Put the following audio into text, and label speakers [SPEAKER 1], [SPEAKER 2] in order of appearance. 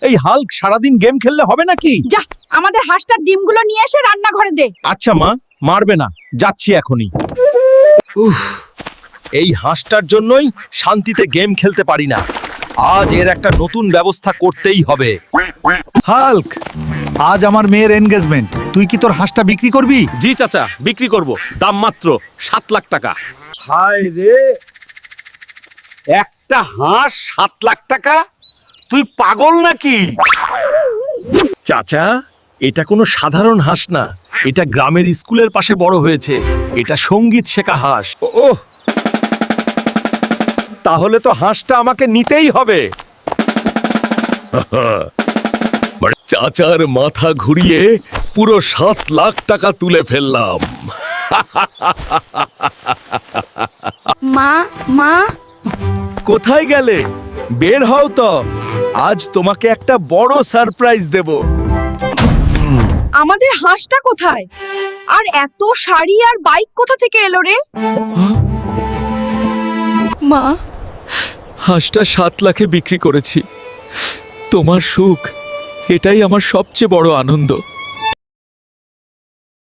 [SPEAKER 1] এই হাল্ক সারাদিন গেম খেললে হবে নাকি?
[SPEAKER 2] যা আমাদের হাঁসটার ডিমগুলো নিয়ে এসে রান্নাঘরে দে।
[SPEAKER 1] আচ্ছা মা, মারবে না, যাচ্ছি এখনই। উফ, এই হাঁসটার জন্যই শান্তিতে গেম খেলতে পারি না। আজ এর একটা নতুন ব্যবস্থা করতেই হবে।
[SPEAKER 3] হাল্ক, আজ আমার মেয়ের এনগেজমেন্ট, তুই কি তোর হাঁসটা বিক্রি করবি?
[SPEAKER 4] জি চাচা, বিক্রি করব, দাম মাত্র 7 লাখ টাকা।
[SPEAKER 5] হায় রে, একটা হাঁস 7 লাখ টাকা? তুই পাগল নাকি?
[SPEAKER 1] চাচা, এটা কোনো সাধারণ হাঁস না, এটা গ্রামের স্কুলের পাশে বড় হয়েছে। এটা সঙ্গীত শেখা হাঁস।
[SPEAKER 5] ওহ, তাহলে তো হাঁসটা আমাকে নিতেই হবে।
[SPEAKER 1] চাচার মাথা ঘুরিয়ে পুরো 7 লাখ টাকা তুলে ফেললাম।
[SPEAKER 2] মা মা
[SPEAKER 1] কোথায় গেলে? বের হও তো, আজ তোমাকে একটা বড় সারপ্রাইজ দেব।
[SPEAKER 2] আমাদের হাঁসটা কোথায়? আর এত শাড়ি আর বাইক কোথা থেকে এলো রে? মা,
[SPEAKER 1] হাঁসটা 7 লাখে বিক্রি করেছি। তোমার সুখ, এটাই আমার সবচেয়ে বড় আনন্দ।